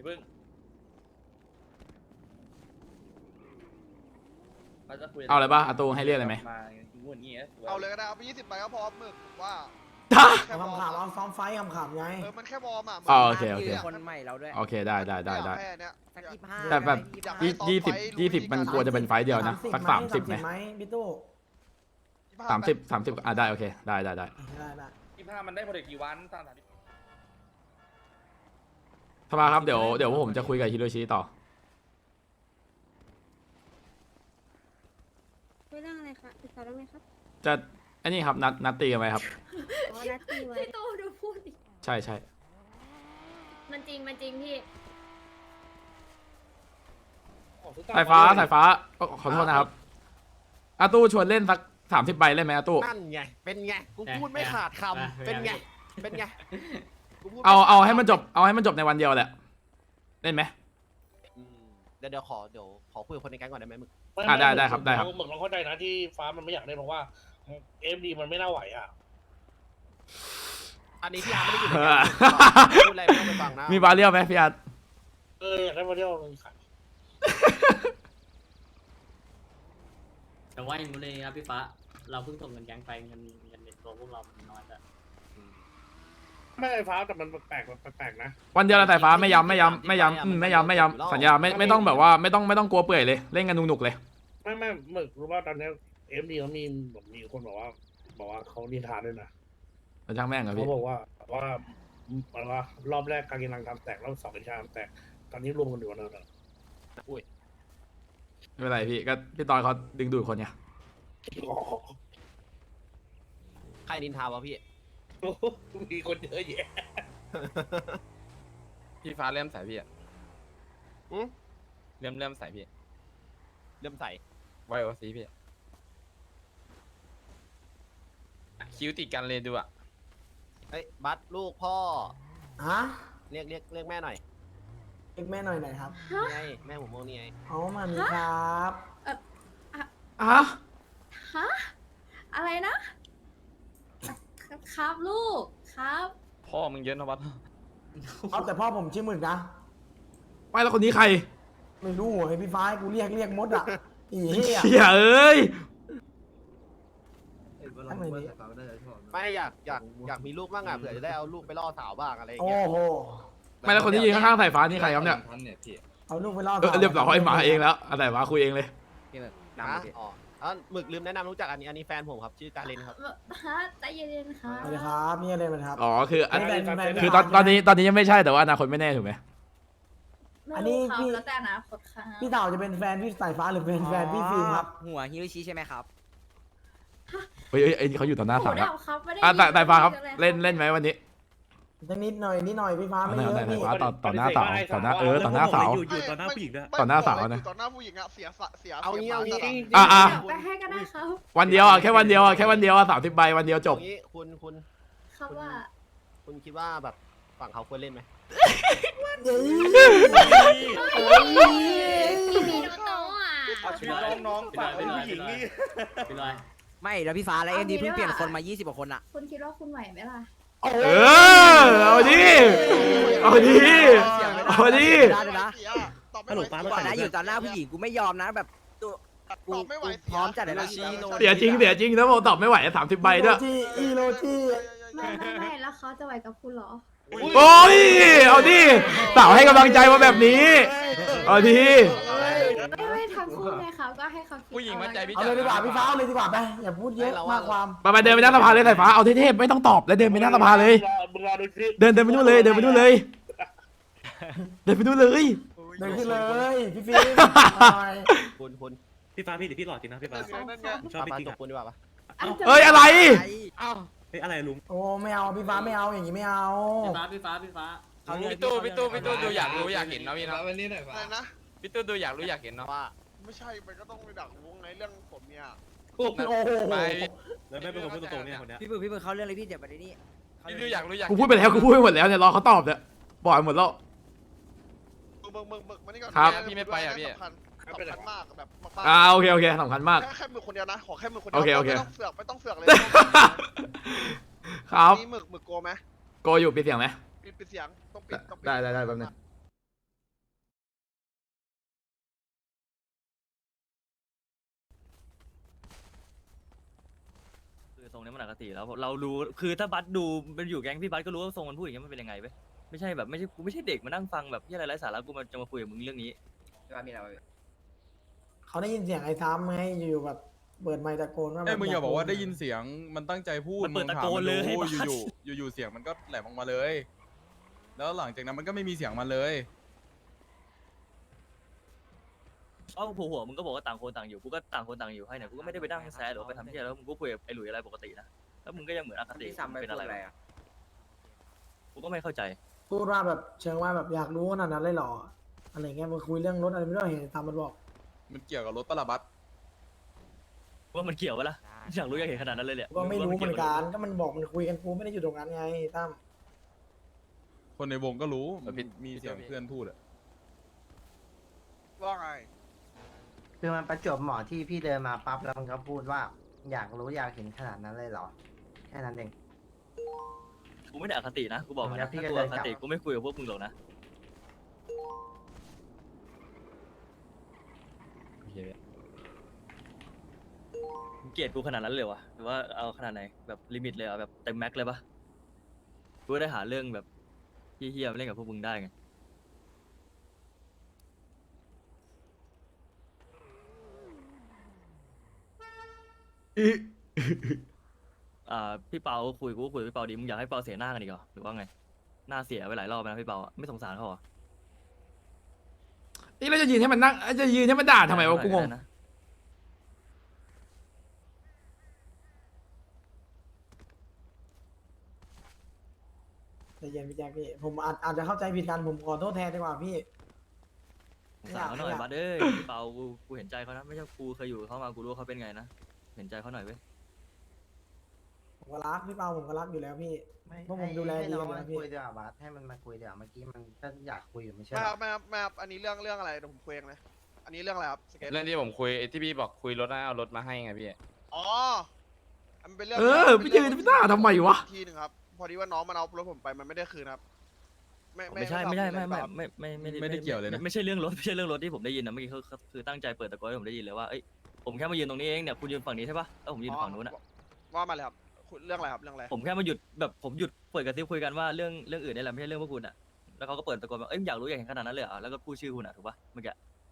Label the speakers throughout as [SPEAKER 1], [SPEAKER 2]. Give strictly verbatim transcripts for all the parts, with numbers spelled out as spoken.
[SPEAKER 1] เพิ่ง
[SPEAKER 2] เอาอะไรบ้างอาตูให้เรียกอะไรไหม
[SPEAKER 3] เอาเลยก็ได้เอาไปยี่สิบใบก็พอหมึกว่า
[SPEAKER 4] ขำขำเอาซ้อมไฟขำขำไง
[SPEAKER 3] เออมันแค่วอร์มอ่ะ
[SPEAKER 2] อ๋อโอเคโอเค
[SPEAKER 5] คนใหม่เราด้วย
[SPEAKER 2] โอเคได้ได้ได้ได้
[SPEAKER 5] สักยี่ห้า
[SPEAKER 2] แต่แบบยี่ยี่สิบยี่สิบมันกลัวจะเป็นไฟเดียวนะสักสามสิบไหม
[SPEAKER 4] ไหมพี่ตู้
[SPEAKER 2] สามสิบสามสิบอ่ะได้โอเคได้ได้ได้
[SPEAKER 4] ได้ได้
[SPEAKER 1] ยี่ห้ามันได้โปรเจกต์กี่วันสามสาม
[SPEAKER 2] สภาครับเดี๋ยวเดี๋ยวผมจะคุยกับฮิโรชิต่อ
[SPEAKER 6] คุยเรื่องอะไรคะติดต่อได้ไหมครับ
[SPEAKER 2] จะอันนี้ครับนัดนัดตีกันไหมครับ
[SPEAKER 6] อ๋อนัดตีไว้พี่โตดูพูดดิ
[SPEAKER 2] ใช่ใช่
[SPEAKER 6] มันจริงมันจริงพี่
[SPEAKER 2] สายฟ้าสายฟ้าขอโทษนะครับอาตู้ชวนเล่นสักสามสิบใบเล่นไหมอาตู้
[SPEAKER 5] นั่นไงเป็นไงกูพูดไม่ขาดคำเป็นไงเป็นไง
[SPEAKER 2] เอาเอาให้มันจบเอาให้มันจบในวันเดียวแหละเล่นไหม
[SPEAKER 5] เดี๋ยวเดี๋ยวขอเดี๋ยวขอคุยกับคนในแก๊งก่อนได้ไหมมึง
[SPEAKER 2] อ่ะได้ได้ครับได้ครับ
[SPEAKER 7] เหมือนเราเข้าใจนะที่ฟ้ามันไม่อยากเล่นเพราะว่าเอ็มดีมันไม่น่าไหวอ่ะ
[SPEAKER 5] อันนี้พี่อาร์ไม่ได้อยู่ในแก๊งพูดอะไรไม่ต้องไปฟังนะ
[SPEAKER 2] มีบาเรียลไหมพี่อาร์ต
[SPEAKER 7] เอออยากได้มาเที่ยวมันขาย
[SPEAKER 8] แต่ว่าอย่างนู้นเลยครับพี่ฟ้าเราเพิ่งส่งเงินแก๊งไปเงินเงินในตัวพวกเรามันน้อยแต่
[SPEAKER 7] ไม่ไฟฟ้าแต่มันแปลกแปลกนะ
[SPEAKER 2] วันเดียวละสายฟ้าไม่ย้ำไม่ย้ำไม่ย้ำอืมไม่ย้ำไม่ย้ำสัญญาไม่ไม่ต้องแบบว่าไม่ต้องไม่ต้องกลัวเปื่อยเลยเล่นกันหนุกๆเลย
[SPEAKER 7] ไม่ไม่หมึกรู้ว่าตอนนี้เอ็มดีเขามีแบบมีคนบอกว่าบอกว่าเขานินทานด้วยนะ
[SPEAKER 2] แล้วช่างแม่งเหรอ
[SPEAKER 7] เขา
[SPEAKER 2] พี่
[SPEAKER 7] บอกว่าว่าว่ารอบแรกการกินรังทำแตกรอบสองเป็นชาทำแตกตอนนี้รวมกันอยู่แล้วนะ
[SPEAKER 5] อุ้ย
[SPEAKER 2] ไม่เป็นไรพี่ก็พี่ตอนเขาดึงดูดคนไง
[SPEAKER 5] ใครนินทาวะพี่
[SPEAKER 7] มีคนเยอะแยะ
[SPEAKER 9] พี่ฟ้าเริ่มใส่พี่อ่ะ
[SPEAKER 5] อืม
[SPEAKER 9] เริ่มเริ่มใส่พี่
[SPEAKER 5] เริ่มใส่
[SPEAKER 9] ไวโอซีพี่คิ้วติดกันเลยดูอ่ะ
[SPEAKER 5] เอ้ยบัสลูกพ่อ
[SPEAKER 4] ฮะ
[SPEAKER 5] เรียกเรียกเรียกแม่หน่อย
[SPEAKER 4] เรียกแม่หน่อยหน่อยครับ
[SPEAKER 5] นี่ไงแม่ผมมองนี่ไง
[SPEAKER 4] เอามามีครับ
[SPEAKER 2] อ่ะ
[SPEAKER 6] ฮะอะไรนะ ครับลูกครับ
[SPEAKER 9] พ่อมึงเยอะนะวัด
[SPEAKER 4] เอาแต่พ่อผมชื่อหมึกนะ
[SPEAKER 2] ไม่แล้วคนนี้ใคร
[SPEAKER 4] ไม่รู้ให้พี่ฟ้าให้กูเรียกเรียกมดอ่ะอีเหี้ย
[SPEAKER 2] เฮียเอ้ย
[SPEAKER 4] ทำไมเนี่ย
[SPEAKER 5] ไม่อยากอยากอยากมีลูกบ้างอ่ะเผื่อจะได้เอาลูกไปล่อสาวบ้างอะไรอย่าง
[SPEAKER 4] โอ้
[SPEAKER 5] เงี้ย
[SPEAKER 4] โห
[SPEAKER 2] ไม่แล้วคนที่ยืนข้างๆสายฟ้านี่ใครครับเนี่ย
[SPEAKER 4] เอาลูกไปล่อ
[SPEAKER 2] เออเรียบร้อยมาเองแล้วเอาสายฟ้าคุยเองเลย
[SPEAKER 5] นะอ๋ออ๋อหมึกลืมแนะนำรู้จักอันนี้อันนี้แฟนผมครับชื่อการเลนครับ
[SPEAKER 6] ฮะใจเย็นๆค่ะ
[SPEAKER 4] สวัสดีครับนี่อะไรมันครับ
[SPEAKER 2] อ๋อคืออัน
[SPEAKER 4] นี่เป็นแฟน
[SPEAKER 2] คือตอนตอนนี้ตอนนี้ยังไม่ใช่แต่ว่าอนาคตไม่แน่ถูกไหม
[SPEAKER 4] อันนี้
[SPEAKER 6] ไม่
[SPEAKER 4] พี่
[SPEAKER 6] รู้ครับแล้วแต่อนาคตค่ะ
[SPEAKER 4] พี่เต่าจะเป็นแฟนพี่สายฟ้าหรือเป็นแฟนพี่ฟิล์มครับ
[SPEAKER 5] หัวฮิโรชิใช่ไหมครับ
[SPEAKER 2] เฮ้ยเฮ้ยไอ้นี่เขาอยู่ต่อหน้าสาว
[SPEAKER 6] หู
[SPEAKER 2] แล้ว
[SPEAKER 6] ดับครับไม่ได้
[SPEAKER 2] อ่ะสายสายฟ้าครับ
[SPEAKER 6] ยิน
[SPEAKER 2] เล่นเล่นไหมวันนี้
[SPEAKER 4] จะนิดหน่อยนิดหน่อยพี่ฟ้า
[SPEAKER 2] ต่อ
[SPEAKER 4] ไม่
[SPEAKER 2] ห
[SPEAKER 4] เย
[SPEAKER 2] น้า
[SPEAKER 4] อะ
[SPEAKER 2] สาย
[SPEAKER 4] พี่
[SPEAKER 2] ฟ้าต่อต่อหน้าสาวต่อหน้าเออต่อหน้าสาว
[SPEAKER 3] อยู่ต่อหน้าผู้หญิงด้วย
[SPEAKER 2] ต่อหน้าสาวนะ
[SPEAKER 3] ต่อหน้าผู้หญิงอะเสียสะเสีย
[SPEAKER 5] เอางี้เอางี้
[SPEAKER 2] อ่ะอ่ะ
[SPEAKER 6] ไปให้ก็ได้ครับ
[SPEAKER 2] วันเดียวอ่ะแค่วันเดียวอ่ะแค่วันเดียวอ่ะสามสิบใบวันเดียวจบ
[SPEAKER 5] เอางี้คุณคุณ
[SPEAKER 6] ครับว่า
[SPEAKER 5] คุณคิดว่าแบบฝั่งเขาควรเล่นไหม
[SPEAKER 6] พี่มีน้องๆอ่ะ
[SPEAKER 1] น้องน้องฝากเป็นผู้หญิงนี่
[SPEAKER 8] ไปเลย
[SPEAKER 5] ไม่แล้วพี่ฟ้าแล้วเอ็มดีเพิ่งเปลี่ยนคนมายี่สิบกว่าคนอะ
[SPEAKER 6] คุณคิดว่าคุณไหวไหมล่ะ
[SPEAKER 2] เออเอาดิเอาดิเอาดิ
[SPEAKER 5] ได้เลยนะ
[SPEAKER 3] ตอบไม่ไหว
[SPEAKER 5] ก่อนนะอยู่ตอนหน้าผู้หญิงกูไม่ยอมนะแบบตัว
[SPEAKER 3] ตอบไม่ไหว
[SPEAKER 5] พร้อมจัดเลยนะ
[SPEAKER 2] เสียจริงเสียจริงนะโมตอบไม่ไหวสามสิบใบด้วย
[SPEAKER 4] จีอีโรจี
[SPEAKER 6] ไม่ไม่ไม่แล้วเขาจะไหวกับคุณเหรอ
[SPEAKER 2] โอ้ยเอาดิสาวให้กำลังใจมาแบบนี้เอาดิ
[SPEAKER 6] ไม่ไม่ทำคู่ไงครับก็ให้เขาคิด
[SPEAKER 9] ผู้หญิงมั่นใจพี่
[SPEAKER 4] เอา
[SPEAKER 9] จ๋า
[SPEAKER 4] เลยดีกว่าพี่ฟ้าเอาเลยดีกว่าไปอย่าพูดเยอะมากความ
[SPEAKER 2] ไปไปเดินไปหน้าสภาเลยสายฟ้าเอาเท่ๆไม่ต้องตอบแล้วเดินไปหน้าสภาเลย
[SPEAKER 7] มึงรอดูคลิป
[SPEAKER 2] เดินเดินไปนู่นเลยเดินไปนู่นเลย เดินไปนู่นเลย
[SPEAKER 4] เดินขึ้นเลยพี่ฟิล์มหน่อย
[SPEAKER 5] คุณคุณ
[SPEAKER 1] พี่ฟ้าพี่หรือพี่หลอดจริงนะพี่ฟ้า
[SPEAKER 3] นั่นไง
[SPEAKER 1] ผมชอบพี่
[SPEAKER 5] ปา
[SPEAKER 1] จริง
[SPEAKER 5] จบ
[SPEAKER 1] อ่ะ
[SPEAKER 5] คุณดีกว่าปะ
[SPEAKER 2] เอ้ยอะไร
[SPEAKER 9] อ้าว
[SPEAKER 1] เฮ้ยอะไรลุง
[SPEAKER 4] โอ้ไม่เอาพี่ฟ้าไม่เอาอย่างนี้ไม่เอา
[SPEAKER 8] พี่ฟ้าพี่ฟ้าพี่ฟ้า
[SPEAKER 9] พี่ตู้พี่ตู้พี่ตู้ดูอยากรู้อยากเห็นเนาะพี่เนาะ
[SPEAKER 3] อะไรนะ
[SPEAKER 9] พี่ตู้ดูอยากรู้อยากเห็นเนาะ
[SPEAKER 5] ว่า
[SPEAKER 3] ไม่ใช่มันก็ต้องไปดักวงในเรื่องผมเนี่ย
[SPEAKER 4] โอ้โห
[SPEAKER 9] ไป
[SPEAKER 1] แล้วไม่เป็นคนพูดตรงๆเนี่ยคนเนี้ย
[SPEAKER 5] พี่บึกพี่บึกเขาเรื่องอะไรพี่เดี๋ยวประเด็นนี้
[SPEAKER 9] พี่ตู้อยากรู้อยาก
[SPEAKER 2] กูพูดไปแล้วกูพูดไปหมดแล้วเนี่ยรอเขาตอบเนี่ยบอกไปหมดแล้ว
[SPEAKER 3] เบิกเบิกเบิกมานี่ก่อน
[SPEAKER 2] ครับ
[SPEAKER 3] สำคัญสำคัญมากแบบมาก
[SPEAKER 2] อ่าโอเคโอเคสำคัญมาก
[SPEAKER 3] แค่แค่มือคนเดียวนะขอแค่มือคนเดี
[SPEAKER 2] โอเคโอเค
[SPEAKER 3] ไม่ต้องเสือกไม่ต้องเสือกเลย
[SPEAKER 2] ครับ
[SPEAKER 3] มีหมึกหมึกโกไหม
[SPEAKER 2] โกอยู่ปิดเสียงไหม
[SPEAKER 3] ปิดปิดเสียงต้องปิดต้องปิด
[SPEAKER 2] ได้ได้ได้แป๊บนึง
[SPEAKER 10] รงนี้มันอคติแล้วเรารู้คือถ้าบัสดูมันอยู่แก๊งพี่บัสก็รู้ว่าทรงมันพูดอย่างเงี้ยมันเป็นยังไงเว้ยไม่ใช่แบบไม่ใช่กูไม่ใช่เด็กมานั่งฟังแบบที่อะไรไร้สาระกูมาจะมาคุยกับมึงเรื่องนี้
[SPEAKER 4] เขาได้ยินเสียงไอ้ซ้ำไงอยู่ๆแบบเปิดไมค์ตะโกนว่า
[SPEAKER 11] เอ้ยมึงอย่าบอกว่าได้ยินเสียงมันตั้งใจพูด
[SPEAKER 10] มันเปิด
[SPEAKER 11] ง
[SPEAKER 10] ตะโกนเลย
[SPEAKER 11] ถามมัน
[SPEAKER 10] ให้
[SPEAKER 11] ดู
[SPEAKER 10] บัส
[SPEAKER 11] อยู่ๆอยู่ๆเสียงมันก็แหลมออกมาเลย แล้วหลังจากนั้นมันก็ไม่มีเสียงมันเลย
[SPEAKER 10] เอ้าผัวหัวมึงก็บอกว่าต่างคนต่างอยู่กูก็ต่างคนต่างอยู่ให้เนี่ยกูก็ไม่ได้ไปนั่งแซะหรือว่าไปทำที่อะไรแล้วมึงก็คุยกับไอ้หลุยอะไรปกตินะแล้วมึงก็ยังเหมือนอคติเป็นอะไรวะกูก็ไม่เข้าใจ
[SPEAKER 4] พูดว่าแบบเชิงว่าแบบอยากรู้ขนาดนั้นเลยเหรออะไรเงี้ยมาคุยเรื่องรถอะไรไม่รู้เห็นตามมันบอก
[SPEAKER 11] มันเกี่ยวกับรถปะละบัส
[SPEAKER 10] ว่ามันเกี่ยวปะล่ะอยากรู้อยากเห็นขนาดนั้นเลยเนี่ย
[SPEAKER 4] ก็ไม่รู้เหมือนกันก็มันบอกมันคุยกันกูไม่ได้อยู่ตรงนั้นไงตั้ม
[SPEAKER 11] คนในวงก็รู้มันมีเสียงเพื่อนพูดอะ
[SPEAKER 3] ว่าไง
[SPEAKER 5] คือมันประจวบเหมาะที่พี่เดินมาปั๊บแล้วมันก็พูดว่าอยากรู้อยากเห็นขนาดนั้นเลยเหรอแค่นั้นเอง
[SPEAKER 10] กูไม่ได้อคตินะกูบอกก่อน
[SPEAKER 5] แล้
[SPEAKER 10] นะ
[SPEAKER 5] วพี่
[SPEAKER 10] ถ้า
[SPEAKER 5] ก็
[SPEAKER 10] กู
[SPEAKER 5] เดิ
[SPEAKER 10] อน
[SPEAKER 5] กลั
[SPEAKER 10] ค
[SPEAKER 5] บ
[SPEAKER 10] ติกูไม่คุยกับพวกมึงหรอกนะมึงเกลียดกูขนาดนั้นเลยวะหรือว่าเอาขนาดไหนแบบลิมิตเลยเหรอแบบเต็มแม็กเลยปะกูได้หาเรื่องแบบเฮี้ยๆมาเล่นกับพวกมึงได้ไง อ่าพี่เปาคุยกูก็คุยกับพี่เปาดีมึงอยากให้เปาเสียหน้ากันอีกเหรอหรือว่าไงหน้าเสียไปหลายรอบแล้วนะพี่เปาอะไม่สงสารเขาเหรอ
[SPEAKER 2] นี่เราจะยืนให้มันนั่งจะยืนให้มันด่าทำไมวะกูงง
[SPEAKER 10] ด้นะ
[SPEAKER 4] ใจเย็นพี่แจ๊คพี่ผมอาจอาจจะเข้าใจผิดกันผมขอโทษแทนดีกว่าพี่
[SPEAKER 10] สงสารเขาหน่อย
[SPEAKER 4] ไม่อยาก
[SPEAKER 10] บัดเอ้ยพี่เปากูกูเห็นใจเขานะไม่ใช่กูเคยอยู่กับเขามากูรู้ว่าเขาเป็นไงนะเห็นใจเขาหน่อยเว้ย
[SPEAKER 4] ผมก็รักพี่เปาผมก็รักอยู่แล้วพี่
[SPEAKER 5] ไม่
[SPEAKER 4] พวกผมดูแล
[SPEAKER 5] ให้
[SPEAKER 4] ดี
[SPEAKER 5] น้อง
[SPEAKER 4] กัน
[SPEAKER 5] มั
[SPEAKER 4] นะ
[SPEAKER 5] น
[SPEAKER 4] พี่
[SPEAKER 5] คุยดีกว่าบัสให้มันมาคุยดีกว่าเมื่อกี้มันก็อยากคุยอยู่ไม่ใช่
[SPEAKER 3] ไม่
[SPEAKER 5] เห
[SPEAKER 3] ค
[SPEAKER 5] ร
[SPEAKER 3] รั
[SPEAKER 5] อบ
[SPEAKER 3] ไม่ครับไม่ครับอันนี้เรื่องเรื่องอะไรเดี๋ยวผมคุยเองเลยอันนี้เรื่องอะไรครับสเก็ต
[SPEAKER 9] เรื่องที่ผมคุยไอ้ที่พี่บอกคุยรถนะเอารถมาให้ไงพี่
[SPEAKER 3] อ๋อมันเป็นเรื่อง
[SPEAKER 2] เออไปยืนไปด่าทำไมวะ
[SPEAKER 3] ทีหนึ่งครับพอดีว่าน้องมันเอารถผมไปมันไม่ได้คืนครับ
[SPEAKER 10] ไม่ใช่ไม่ใช่ไม่ไม่ไม่ไม่ไม่
[SPEAKER 11] ไม่ได้เกี่ยวเลยนะ
[SPEAKER 10] ไม่ใช่เรื่องรถไม่ใช่เรื่องรถที่ผมได้ยินนะเมื่อกี้เขาเขาคือตั้งใจเปิดตะโกนให้ผมได้ยินเลยว่าเอ้ยผมแค่มายืนตรงนี้เองเนี่ยคุณยืนฝั่งนี้ใช่ปะแล้วผมยืนฝั่งนู้นอะ
[SPEAKER 3] ว่ามาเลยครับคุณเรื่องอะไรครับเรื่องอะไร
[SPEAKER 10] ผมแค่มาหยุดแบบผมหยุดเปิดกระซิบคุยกันว่าเรื่องเรื่องอื่นนี่แหละไม่ใช่เรื่องพวกคุณอะแล้วเขาก็เปิดตะโกนแบบเอ้ยอยากรู้อยากเห็นขนาดนั้นเลยเหรอแล้วก็พูดชื่อคุณอะถูกปะเมื่อกี้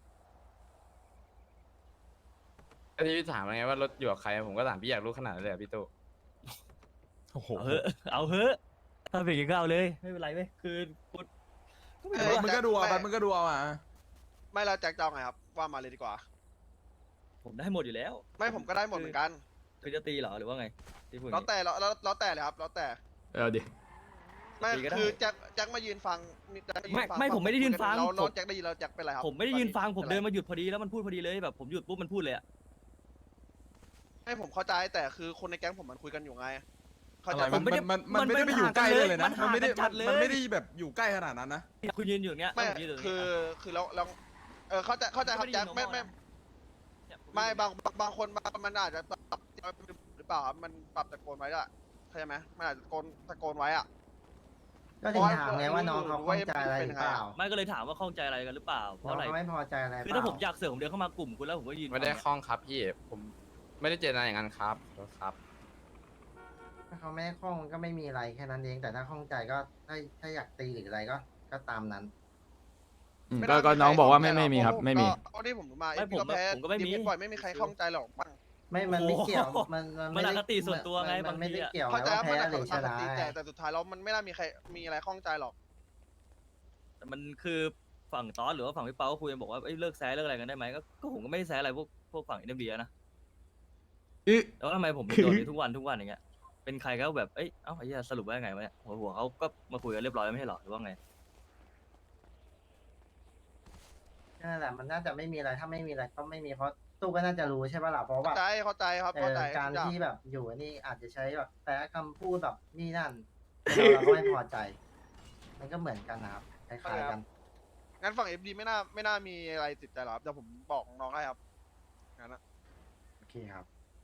[SPEAKER 9] ไอ้ที่พี่ถามไงว่ารถอยู่กับใครผมก็ถามพี่อยากรู้ขนาดนั้นเลยเหรอพี่ตู้
[SPEAKER 11] โอ้โห
[SPEAKER 10] เอาเฮ้เอาเฮ้ถ้าเป็นอย่างนี้ก็เอาเลยไม่เป็นไรเว้ยคือกูก็ไม่รู้ว่า
[SPEAKER 11] มันก็ดูเอาบัสมันก็ดูเอาอ่ะ
[SPEAKER 3] ไม่เราแจ็คจะเอาไงครับว่ามาเลยดีกว่า
[SPEAKER 10] ผมได้หมดอยู่แล้ว
[SPEAKER 3] ไม่ผมก็ได้หมดเหมือนกัน
[SPEAKER 10] คือจะตีเหรอหรือว่าไงที่พูดอย่าง
[SPEAKER 3] แล้ว
[SPEAKER 10] งี้
[SPEAKER 3] แต่แล้วแล้วแล้วแต่เลยครับแล้วแต่
[SPEAKER 2] เออดิ
[SPEAKER 3] ไม่
[SPEAKER 10] ตีก็ได้
[SPEAKER 3] คือแจ็คแจ็คมายืนฟังแจ็คายืน
[SPEAKER 10] ไม่
[SPEAKER 3] ฟัง
[SPEAKER 10] ไม่ผมไม่ได้ยืนฟัง
[SPEAKER 3] เราเรา
[SPEAKER 10] ผม
[SPEAKER 3] แจ็คได้ยินเราแจ็คเป็นไรครับ
[SPEAKER 10] ผมไม่ได้ยืนฟังผม
[SPEAKER 3] ป็
[SPEAKER 10] เดิ
[SPEAKER 3] ไร
[SPEAKER 10] นมาหยุดพอดีแล้วมันพูดพอดีเลยแบบผมหยุดปุ๊บมันพูดเลยอะ
[SPEAKER 3] ให้ผมเข้าใจแต่คือคนในแก๊งผมมันคุยกันอยู่ไงเข้า
[SPEAKER 11] อะ
[SPEAKER 3] ใจ
[SPEAKER 11] ไร
[SPEAKER 3] ปะ
[SPEAKER 11] มันมันมันมันไม่ได้ไปอยู่ใกล้เลยนะมันไม่ได้มันไม่ได้แบบอยู่ใกล้ขนาดนั้นนะ
[SPEAKER 10] คุณยืนอยู่อย่างเงี้ย
[SPEAKER 3] ไม่
[SPEAKER 10] ผมยืนอยู่ตรง
[SPEAKER 3] คื
[SPEAKER 10] นี้
[SPEAKER 3] อคือเราเราเออเข้าใจเข้าใจครับแจ็คไม่ไม่
[SPEAKER 10] เนี่ยผ
[SPEAKER 3] ไม่
[SPEAKER 10] ยืน
[SPEAKER 3] บางบางบางคนบางมันอาจจะปรับหรือเปล่าครับมันปรับตะโกนไว้ด้วยเข้าใจไหมมันอาจจะตะโกนตะโกนไว้อะ
[SPEAKER 5] ก็ถึงถามไงว่าน้องเขาข้องใจอะไรหรือเปล่า
[SPEAKER 10] ไม่ก็เลยถามว่าข้องใจอะไรกันหรือเปล่าเพ
[SPEAKER 5] น้อ
[SPEAKER 10] ราะ
[SPEAKER 5] ง
[SPEAKER 10] อะไร
[SPEAKER 5] เขาไม่พอใจอะไรหรื
[SPEAKER 10] คือ
[SPEAKER 5] เป
[SPEAKER 10] ถ้า
[SPEAKER 5] ล่า
[SPEAKER 10] ผมอยากเสือกผมเดินเข้ามากลุ่มคุณแล้วผมก็ยืน
[SPEAKER 9] ไม่ได้
[SPEAKER 10] ฟัง
[SPEAKER 9] คล้องครับพี่ผมไม่ได้เจตนาอย่างนั้นครับขอโทษครับ
[SPEAKER 5] ถ้าเขาไม่ได้ข้องมันก็ไม่มีอะไรแค่นั้นเองแต่ถ้าข้องใจก็ถ้าถ้าอยากตีหรืออะไรก็ก็ตามนั้น
[SPEAKER 2] อืมก็ก็น้องบอกว่าไม่ไม่มีครับไม่มี
[SPEAKER 3] เพราะที่ผมรู้มา
[SPEAKER 10] ไม่ผม
[SPEAKER 3] ก็แพ้
[SPEAKER 10] ผมก็ไม่มี
[SPEAKER 3] ดีเปล่อยไม่มีใครข้องใจหรอกบ้าง
[SPEAKER 5] ไม่มันไม่เกี่ยวมันมัน
[SPEAKER 10] มัน
[SPEAKER 5] ไม่
[SPEAKER 10] อ
[SPEAKER 5] ได้
[SPEAKER 10] คติส่วนตัวไง
[SPEAKER 5] มั
[SPEAKER 10] บาง
[SPEAKER 5] นไม่
[SPEAKER 10] ที
[SPEAKER 5] ได้
[SPEAKER 10] อะ
[SPEAKER 5] เกี่ยว
[SPEAKER 3] เข้าใจ
[SPEAKER 5] ว่า
[SPEAKER 3] ว่ามัน
[SPEAKER 5] แพ้
[SPEAKER 3] อาจ
[SPEAKER 5] ห
[SPEAKER 3] จะ
[SPEAKER 5] รือช
[SPEAKER 3] ปก
[SPEAKER 5] นะ
[SPEAKER 3] ติแต่แต่สุดท้ายแล้วมันไม่น่ามีใครมีอะไรข้องใจหรอก
[SPEAKER 10] แต่มันคือฝั่งตอสหรือว่าฝั่งพี่เปาก็คุยกันบอกว่าเอ้ยเลิกแซะเลิกอะไรกันได้ไหมก็ก็ผมก็ไม่ได้แซะอะไรพวกพวกฝั่งอินเดียนะ
[SPEAKER 2] อึ
[SPEAKER 10] แล้วทำไมผมเป็นโดนนี้ทุกวันทุกวันอย่างเงี้ยเป็นใครก็แบบเอ้ยเอ้าไอ้เหี้ยสรุปว่าไงวะเนี่ยหัวหัวเขาก็มาคุยกันเรียบร้อยแล้วไม่ใช่หรอหรือว่าไง
[SPEAKER 5] นั่นแหละมันน่าจะไม่มีอะไรถ้าไม่มีอะไรก็ไม่มีเพราะตู้ก็น่าจะรู้ใช่ป่ะล่ะเพราะว่า
[SPEAKER 3] เข้าใจเข้าใจครับ
[SPEAKER 5] เอ
[SPEAKER 3] เข้า
[SPEAKER 5] อ
[SPEAKER 3] ใจ
[SPEAKER 5] การ
[SPEAKER 3] ทุอย่ง
[SPEAKER 5] ที่แบบอยู่นี่อาจจะใช้แบบแปะคำพูดแบบนี่นั่นเราก็ไม่พอใจ มันก็เหมือนกันนะครับคล้ายๆกัน
[SPEAKER 3] งั้นฝั่งเอฟดีไม่น่าไม่น่ามีอะไรติดใจหรอกครับเดี๋ยวผมบอกน้องให้ครับงั้นนะ
[SPEAKER 5] โอเคครับ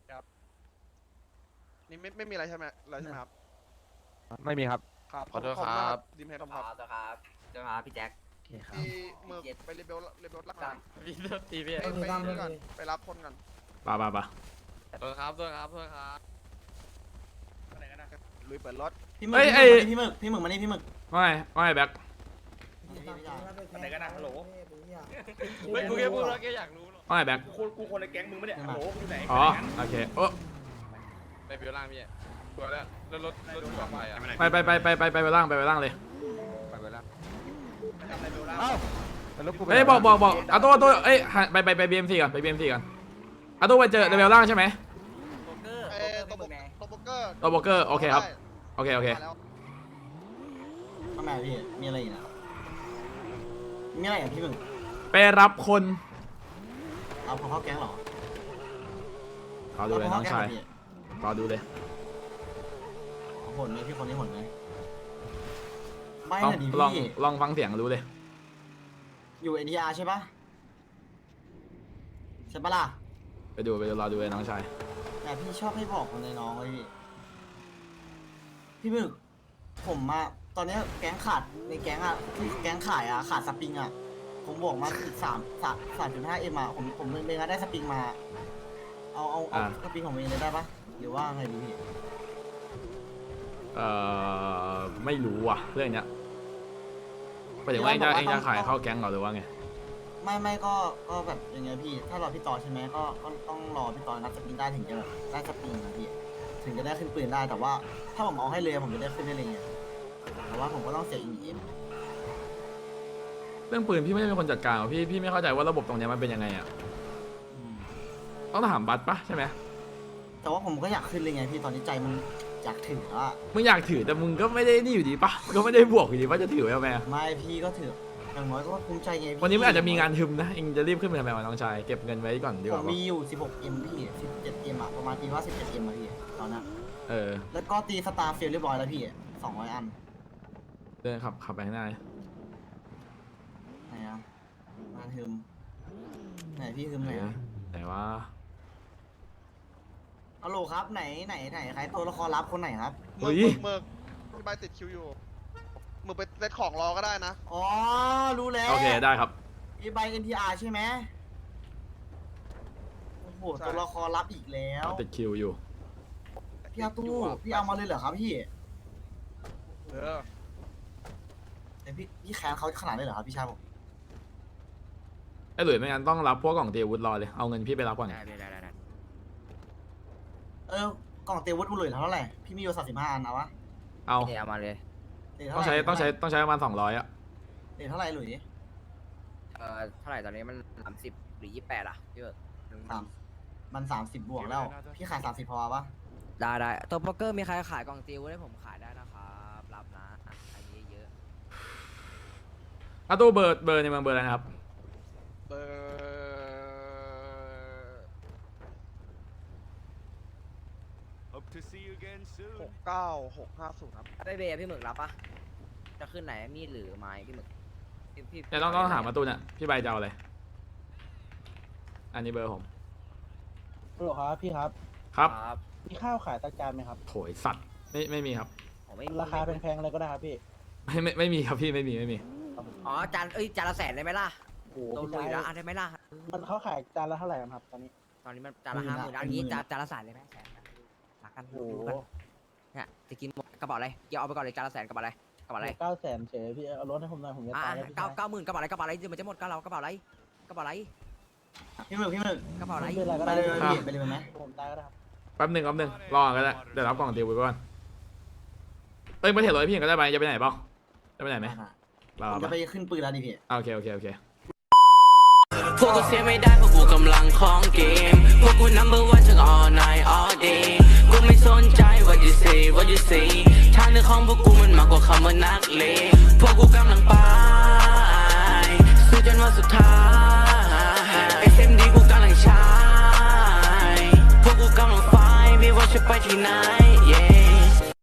[SPEAKER 3] นี่ไม่ไม่มีอะไรใช่ไหมอะไรใช่ไหมครับ
[SPEAKER 9] ไม่มีครับ
[SPEAKER 3] ครับ
[SPEAKER 9] ขอโทษ
[SPEAKER 3] ขณ
[SPEAKER 9] ค
[SPEAKER 3] มา
[SPEAKER 9] รับ
[SPEAKER 3] กดิมเฮดครับ
[SPEAKER 8] ครับเจ้าครับพี่แจ็ค
[SPEAKER 5] โอเคครับ
[SPEAKER 3] ที่หมึกไปรีเบลรีเบลรักกัน
[SPEAKER 9] พี่โทษทีพี่
[SPEAKER 3] ไปไปนี่ก่อนไปรับคนกัน
[SPEAKER 2] ป่าป่าป่า
[SPEAKER 9] โทษครับโทษครับโทษครับ
[SPEAKER 3] ลุยเปิดรถ
[SPEAKER 2] พี่มึกพี่มึกพี่มึกมานี่พี่มึกไม่ไม่แบ็ค
[SPEAKER 1] ไหนกันนะฮัลโหล
[SPEAKER 9] เฮ้ยกูแค่พูดแล้วแค่อยากรู้หรอก
[SPEAKER 2] ไม่แบ็ค
[SPEAKER 1] กูคนกูคนในแก๊งมึงไม่ได้ฮัลโหลอยู่ไหน
[SPEAKER 2] อ๋อโอเคโอ้
[SPEAKER 9] ไปเบลล่างพี่ตัวแล้วแล้วรถรถกลับไปอ่ะ
[SPEAKER 2] ไปไปไปไปไปไปไปล่างไปไปล่างเลย
[SPEAKER 9] ไปเบลล่าง
[SPEAKER 3] เอ้า
[SPEAKER 2] เอ้ยบอกบอกบอกเอาตัวตัวเอ้ยไปไปไปบีเอ็มซีก่อนไปบีเอ็มซีก่อนเอาตัวไปเจอเลเวลล่างใช่ไหม
[SPEAKER 3] เอ้ตัวโบตัวโบเกอร์
[SPEAKER 2] ตัวโบเกอร์โอเคครับโอเคโอเค
[SPEAKER 5] ทำไมพี่มีอะไรอีกนะมีอะไรอย่างพี่มึง
[SPEAKER 2] ไปรับคน
[SPEAKER 5] เอาพอเข้าแก๊งหรอ
[SPEAKER 2] ขอดูเลยน้องชายขอดูเลย
[SPEAKER 5] ผลไหมพี่คนนี้ผลไหมไม่
[SPEAKER 2] ลอง
[SPEAKER 5] หน่อยดิ
[SPEAKER 2] ลอง
[SPEAKER 5] พี่
[SPEAKER 2] ลองฟังเสียงรู้เลย
[SPEAKER 5] อยู่เอ็นทีอาร์ใช่ปะใช่ปะล่ะ
[SPEAKER 2] ไปดูไปดูรอดูเลยน้องชาย
[SPEAKER 5] แต่พี่ชอบให้บอกคนในน้องเลยพี่พี่มึกผมมาตอนนี้แก๊งขาดในแก๊งอ่ะที่แก๊งขายอ่ะขาดสปริงอ่ะผมบอกมาอีกสามสามสามจุดห้าเอ็มอ่ะผมผมเลยงานได้สปริงมา เอาเอาเอาสปริงของเองเลยได้ปะหรือว่าไงดีพี่
[SPEAKER 2] เอ่อไม่รู้ว่ะเรื่องเนี้ยไปถึงว่าเองจะเองจะขายเข้าแก๊งเหรอหรือว่าไง
[SPEAKER 5] ไม่ไม่ก็ก็แบบยังไงพี่ถ้ารอพี่ต่อใช่ไหมก็ก็ต้องรอพี่ต่อนับสปริงได้ถึงจะแบบได้สปริงนะพี่ถึงจะได้ขึ้นปืนได้แต่ว่าถ้าผมเอาให้เลยผมจะได้ขึ้นได้เลยไงแต่ว่าผมก็ต้องเสียอีเอ็ม
[SPEAKER 2] เรื่องปืนพี่ไม่ได้เป็นคนจัดการหรอกพี่พี่ไม่เข้าใจว่าระบบตรงเนี้ยมันเป็นยังไงอ่ะต้องถามบัตปะใช่ไหม
[SPEAKER 5] แต่ว่าผมก็อยากขึ้นเลยไงพี่ตอนนี้ใจมันอยากถืออะ
[SPEAKER 2] มึงอยากถือแต่มึงก็ไม่ได้นี่อยู่ดีปะก็ไม่ได้บวกอยู่ดีว่าจะถือไว้ทำไมอะ
[SPEAKER 5] ไม่พี่ก็ถืออย่างน้อยก็ภูมิใจไงพี่
[SPEAKER 2] วันนี้มันอาจจะมีงานทึมนะเองจะรีบขึ้นไปทำไมวะน้องชายเก็บเงินไว้ก่อนดีก
[SPEAKER 5] ผ
[SPEAKER 2] ว่าม ปะ
[SPEAKER 5] มีอยู่ สิบหกเอ็ม พี่ สิบเจ็ดเอ็ม อะประมาณตีว่า สิบเจ็ดเอ็ม อะพี่ตอนนั้น
[SPEAKER 2] เออ
[SPEAKER 5] แล้วก็ตีสตาร์เฟลเรียบร้อยแล้วพี่สองร้อยอัน
[SPEAKER 2] เดินขับขับไปข้างหน้า
[SPEAKER 5] ไหนอะมาฮึมไหนพี่ฮึมไหนอะ
[SPEAKER 2] ไหนวะ
[SPEAKER 5] ฮัลโหลครับไหนไหนไหนใครตัวละครลับคนไหนครับ
[SPEAKER 3] มึกมึกพี่ใบติดคิวอยู่มึงไปเซตของรอก็ได้นะ
[SPEAKER 5] อ๋อรู้แล้ว
[SPEAKER 2] โอเคได้ครับ
[SPEAKER 5] อีใบ เอ็น ที อาร์ ใช่ไหมโอ้โหตัวละครลับอีกแล้ว
[SPEAKER 2] ติดคิวอยู่
[SPEAKER 5] พี่อาตู้พี่เอามาเลยเหรอครับพี่
[SPEAKER 3] เออ
[SPEAKER 5] แต่พี่พี่แค้นเขาขนาดนี้เหรอครับพี่ชายผม
[SPEAKER 2] ไอ้หลุยไม่งั้นต้องรับพวกกล่องเตรียมอาวุธรอเลยเอาเงินพี่ไปรับก่อน
[SPEAKER 5] เออกล่องเตรียมอาวุธอุลุยเท่าไหร่พี่มีอยู่สามสิบห้าอันเอาวะ
[SPEAKER 2] เอา
[SPEAKER 8] เอามาเลย
[SPEAKER 5] เหรียญ
[SPEAKER 2] ต้
[SPEAKER 5] เท่า
[SPEAKER 2] อง
[SPEAKER 5] ไหร่
[SPEAKER 2] ใช้ต้องใช้ต้องใช้ประมาณสองร้อยอะ
[SPEAKER 5] เหรียญเท่าไหร่หลุย
[SPEAKER 8] เอ่อเท่าไหร่ตอนนี้มันสามสิบหรือยี่แปดอ่ะพี่เบิร์ด
[SPEAKER 5] สามมันสามสิบบวกแล้ว พี่ขายสามสิบพอปะ
[SPEAKER 8] ได้ได้ตัวโป๊กเกอร์มีใครขายกล่องติวให้ผมขายได้นะครับรับนะอันนี้เยอะ
[SPEAKER 2] อาตู้เบอร์เบอร์ในเมืองเบอร์อะไรนะครับ
[SPEAKER 3] เบอร์หกเก้าหกห้าศูนย์ครับ
[SPEAKER 8] ได้เบย์พี่หมึกรับปะจะขึ้นไหนมีดหรือไม้พี่หมึกพี่พี่
[SPEAKER 2] เดี๋ยวต้องต้องถามประตูเนี่ยพี่ใบจะเอาอะไรอันนี้เบอร์ผม
[SPEAKER 7] ฮัลโหลครับพี่ครับ
[SPEAKER 2] ครับ
[SPEAKER 8] ครับ
[SPEAKER 7] มีข้าวขายตะจานไหมครับ
[SPEAKER 2] โถยสัตว์ไม่ไม่มีครับ
[SPEAKER 8] ผมไม่
[SPEAKER 7] ราคาแพงๆอะไรก็ได้ครับพี่
[SPEAKER 2] ไม่ไม่ไม่มีครับพี่ไม่มีไม่มี
[SPEAKER 8] อ๋อจานเอ้ยจานละแสนได้ไหมล่ะ
[SPEAKER 7] โอ้
[SPEAKER 8] โดน
[SPEAKER 7] พี่
[SPEAKER 8] ลุย
[SPEAKER 7] ชาย
[SPEAKER 8] แล้วอ่ะได้ไหมล่ะ
[SPEAKER 7] มันเขาขายจานละเท่าไหร่ครับตอนนี้
[SPEAKER 8] ตอนนี้มันจานละห้าหมื่นอันนี้จานจานละแสนเลยไหมแสนนะรักกัน
[SPEAKER 7] โอ้
[SPEAKER 8] ดูกันเนี่ยจะกินหมดกระเป๋าอะไรเดี๋ยวเอาไปก่อนเลยจานละแสนกระเป๋าอะไรกระเป๋าอะไร
[SPEAKER 7] เก้าแสนเฉยพี่เอารถให้ผมหน่อยผมจะ
[SPEAKER 8] อ่า
[SPEAKER 7] ตายแล้วพี่
[SPEAKER 8] เก้า
[SPEAKER 7] ชาย
[SPEAKER 8] เก้าหมื่นกระเป๋าอะไรกระเป๋าอะไรเดี๋ยวมันจะหมดก็เรากระเป๋าอะไรกระเป๋าอะไร
[SPEAKER 5] พี่หมึกพี่หมึก
[SPEAKER 8] กระเป๋าอะไร
[SPEAKER 7] ไม่เป็นไรก็
[SPEAKER 5] ไป
[SPEAKER 7] ได้
[SPEAKER 5] เลย
[SPEAKER 7] พี่
[SPEAKER 5] พี่ไปเลยไหม
[SPEAKER 7] ผมตายก็ได้ครับ
[SPEAKER 2] แป๊บหนึ่งแป๊บหนึ่งรอก็ได้เดี๋ยวรับกล่องเตรียมไว้ก่อนเอ้ยไม่เห็นรถพี่ก็ได้ไปจะไปไหนเปล่าจะไปไหนไหมรอ
[SPEAKER 5] ผม
[SPEAKER 2] ปะ
[SPEAKER 5] จะไปขึ้นปืนแล้วดิพี่
[SPEAKER 2] โอเคโอเคโอเค
[SPEAKER 12] พวกกูเสียไม่ได้เพราะกูกำลังของเกมพวกกู number one ทั้ง all night all day กูไม่สนใจ what you say what you say ทางเดินของพวกกูมันมากกว่าคำว่านักเลงพวกกูกำลังไปสู้จนวันสุดท้าย เอส เอ็ม ดี กูกำลังใช้พวกกูกำลังไฟไม่ว่าจะไปที่ไหน